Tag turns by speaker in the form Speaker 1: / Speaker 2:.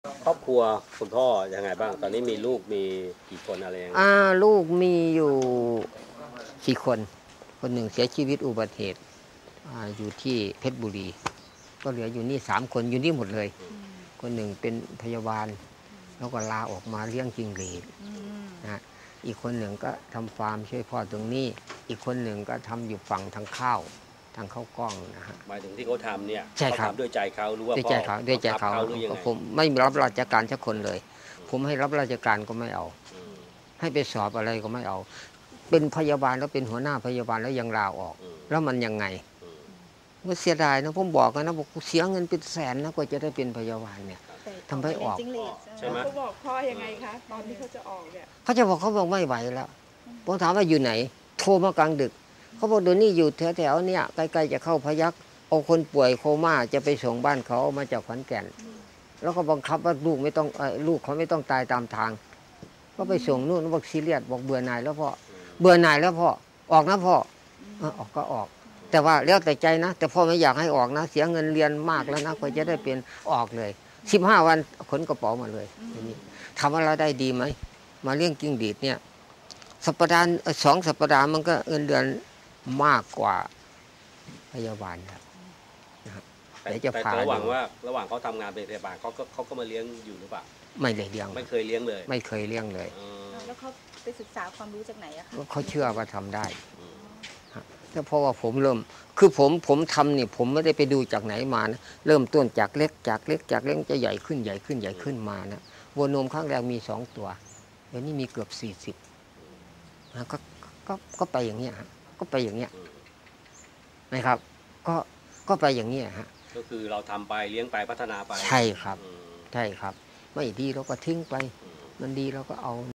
Speaker 1: ครอบครัวคุณพ่อยังไงบ้างตอนนี้มีลูกมีกี่คนอะไรยังไง
Speaker 2: ลูกมีอยู่4 คนคนหนึ่งเสียชีวิตอุบัติเหตุอยู่ที่เพชรบุรีก็เหลืออยู่นี่3 คนอยู่นี่หมดเลยคนหนึ่งเป็นพยาบาลแล้วก็ลาออกมาเลี้ยงจิ้งหรีดนะอีกคนหนึ่งก็ทำฟาร์มช่วยพ่อตรงนี้อีกคนหนึ่งก็ทำอยู่ฝั่งทางข้าวกล้องนะฮะ
Speaker 1: หมายถึงที่เขาทำเนี่ย
Speaker 2: ใช่ครับ
Speaker 1: เขาทำด้วยใจเขาหรือว่า
Speaker 2: ด้วยใจเขาด้วยใจเขา
Speaker 1: หรือยังไง
Speaker 2: ผมไม่รับราชการสักคนเลยผมให้รับราชการก็ไม่เอาให้ไปสอบอะไรก็ไม่เอาเป็นพยาบาลแล้วเป็นหัวหน้าพยาบาลแล้วยังลาออกแล้วมันยังไงมันเสียดายนะผมบอกนะบอกเสียเงินเป็นแสนนะกว่าจะได้เป็นพยาบาลเนี่ยทำให้ออก
Speaker 1: ใช่ไหม
Speaker 3: เขาบอกพ่อยังไงคะตอนที่เขาจะออกเนี่ย
Speaker 2: เขาบอกไม่ไหวแล้วผมถามว่าอยู่ไหนโทรมากลางดึกเขาบอกเดี๋ยวนี้อยู่แถวๆเนี่ยใกล้ๆจะเข้าพยัคฆ์เอาคนป่วยโคม่าจะไปส่งบ้านเขามาจากขอนแก่นแล้วก็บังคับว่าลูกเขาไม่ต้องตายตามทางก็ไปส่งนู่นบอกซีเรียสบอกเบื่อหน่ายแล้วพ่อเบื่อหน่ายแล้วพ่อออกนะพ่อออกก็ออกแต่ว่าแล้วแต่ใจนะแต่พ่อไม่อยากให้ออกนะเสียเงินเรียนมากแล้วนะกว่าจะได้เป็นออกเลย15 วันขนกระเป๋ามาเลยนี่ทำอะไรได้ดีไหมมาเลี้ยงกิ้งดีดเนี่ยสัปดาห์2 สัปดาห์มันก็เงินเดือนมากกว่าพยาบาลครับ
Speaker 1: แต่ระหว่างเขาทำงานเป็นพยาบาลเขาก็มาเลี้ยงอยู่หรือเปล่า
Speaker 2: ไม่ได้เลี้ยง
Speaker 1: ไม่เคยเลี้ยงเลย
Speaker 2: ไม่เคยเลี้ยงเลย
Speaker 3: แล้วเขาไปศึกษาความรู้จากไหนอะคะ
Speaker 2: เขาเชื่อว่าทำได้แต่เพราะว่าผมเริ่มผมทำนี่ผมไม่ได้ไปดูจากไหนมานะเริ่มต้นจากเล็กจะใหญ่ขึ้นมานะวัวนมข้างแรกมี2 ตัวเดี๋ยวนี้มีเกือบ40นะก็ไปอย่างเงี้ยฮะก็ไปอย่างเงี้ยนะครับก็ไปอย่างเงี้ยฮะ
Speaker 1: ก็คือเราทำไปเลี้ยงไปพัฒนาไป
Speaker 2: ใช่ครับไม่ดีเราก็ทิ้งไปมันดีเราก็เอา